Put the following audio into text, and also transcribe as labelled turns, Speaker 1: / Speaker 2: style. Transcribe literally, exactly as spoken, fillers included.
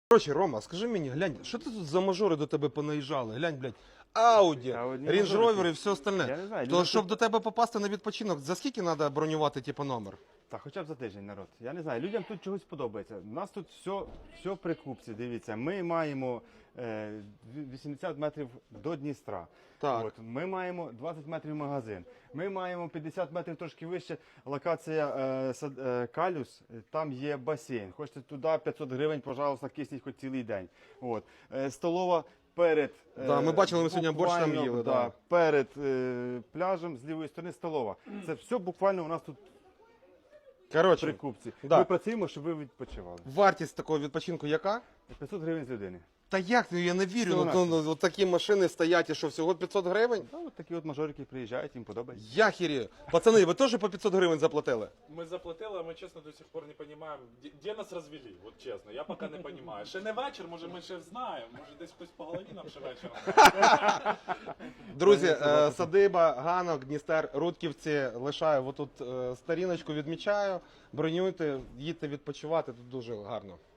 Speaker 1: Короче, Рома, скажи мені, глянь, що ти тут за мажори до тебе понаїжджали? Глянь, блядь, Ауді,
Speaker 2: Та одні
Speaker 1: Range
Speaker 2: мажорики.
Speaker 1: Rover і все остальне.
Speaker 2: Я не знаю,
Speaker 1: То
Speaker 2: люди
Speaker 1: щоб
Speaker 2: тут-
Speaker 1: до тебе попасти на відпочинок, за скільки треба бронювати, типу, номер?
Speaker 2: Та хоча б за тиждень, народ. Я не знаю, людям тут чогось подобається. У нас тут все, все при купці, дивіться. Ми маємо е, вісімдесят метрів до Дністра.
Speaker 1: Так.
Speaker 2: От, ми маємо двадцять метрів магазин. Ми маємо п'ятдесят метрів трошки вище. Локація е, сад, е, Калюс, там є басейн. Хочете туди п'ятсот гривень, пожалуйста, кисніть хоч цілий день. От. Е, столова перед
Speaker 1: Да, ми бачили, ми сьогодні борщ там
Speaker 2: буквально,
Speaker 1: їли,
Speaker 2: Да,
Speaker 1: да.
Speaker 2: перед е, пляжем з лівої сторони столова. Це все буквально у нас тут при
Speaker 1: Коротше,
Speaker 2: купці.
Speaker 1: Да.
Speaker 2: Ми працюємо, щоб ви відпочивали.
Speaker 1: вартість такого відпочинку яка?
Speaker 2: п'ятсот гривень з людини.
Speaker 1: Та як, ну я не вірю,
Speaker 2: Всього
Speaker 1: ну, ну,
Speaker 2: навсього.
Speaker 1: ну, от такі машини стоять і що, всього п'ятсот гривень?
Speaker 2: Та от такі от мажорики приїжджають, їм подобається.
Speaker 1: Я хірію. Пацани, ви теж по п'ятсот гривень заплатили?
Speaker 3: Мы заплатили, а мы честно до сих пор не понимаем, де, де нас розвели, от чесно, я поки не понимаю. Ще не вечір, може ми ще знаємо, може десь хтось по голові нам ще вечором.
Speaker 1: Друзі, е, садиба, Ганок, Дністер, Рудківці, лишаю отут е, сторіночку, відмічаю, бронюйте, їдьте відпочивати, тут дуже гарно.